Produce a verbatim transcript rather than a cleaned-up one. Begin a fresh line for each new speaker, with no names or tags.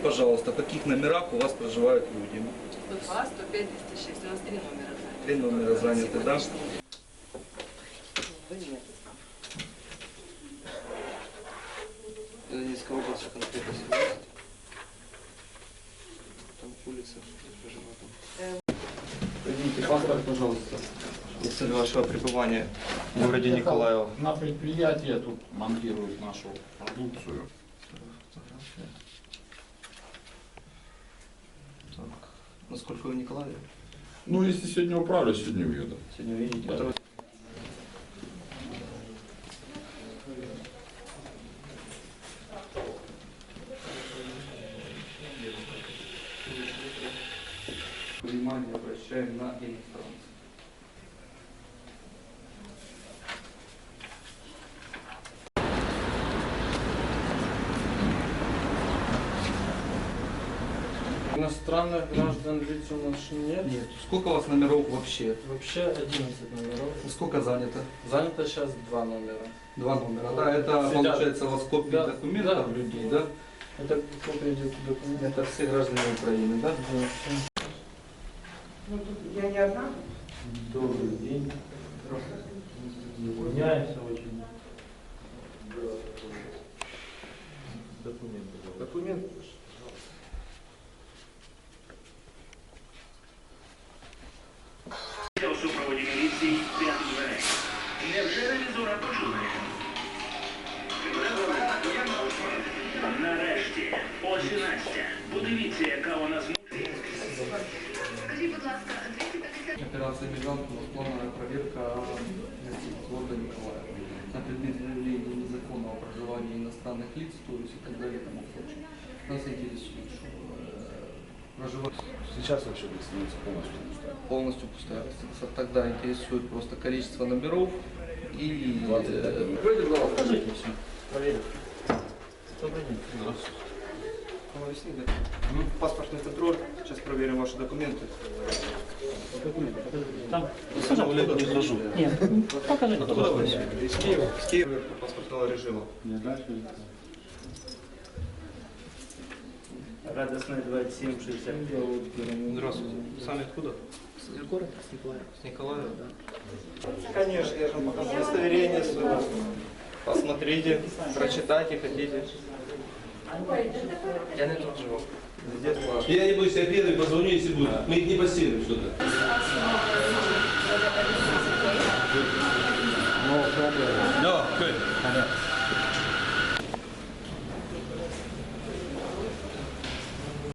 пожалуйста, в каких номерах у вас проживают люди?
сто два, сто пять, двести шесть. У нас три номера заняты.
Три номера заняты, да? Донецкая область, конкретно семнадцать. Там улица, Поднимите паспорт, пожалуйста. И цель вашего пребывания в городе Николаево.
На предприятии тут монтируют нашу продукцию.
Так. Насколько вы в Николаеве?
Ну, если сегодня управлю, сегодня уеду.
Сегодня увидите.
Да.
Внимание обращаем на иностранцев.
Иностранных граждан лиц у нас нет.
Нет. Сколько у вас номеров вообще?
Вообще одиннадцать номеров.
Сколько занято?
Занято сейчас два номера.
Два номера. Да, это
Сидят.
получается у вас копии
Да.
документов
Да.
людей, да?
Это копия документов.
Это все граждане Украины, да?
Ну, тут я не одна.
Добрый день. Извиняемся очень. Документы.
Документы.
У супроводі міліції п'ять дверей. Невже ревізора почули? Нарешті, ось і Настя. Подивіться, яка вона змучена.
Скажіть, будь ласка, двісті п'ятдесят...
Операция «Мигрант» у нас плановая проверка гостиниц города Николаева на предмет выявления незаконного проживания иностранных лиц, то есть и так далее и тому прочее. Нас интересует, что э, проживать
Сейчас вообще гостиница полностью пустая.
полностью пустая гостиница. Тогда интересует просто количество номеров и...
двадцать пять.
Э, Вроде было.
Скажите все. Проверим. Добрый день.
Здравствуйте.
Навесни, да? Паспортный контроль. Сейчас проверим ваши документы.
Документы, покажите. Там.
Пожалуйста, не хожу.
Нет, покажите.
Откуда вы? Из Киева. Из Киева. Паспортного режима.
Не дальше.
Радостная двадцать семь шестьдесят пять.
Здравствуйте. Сами откуда?
С города, с Николаева.
С Николаева, да? Конечно, я же вам показал удостоверение свое. Посмотрите, прочитайте, хотите. Я не тут живу.
Я не буду, я первый позвоню, если будет. Мы их не постелим что-то. Да, окей.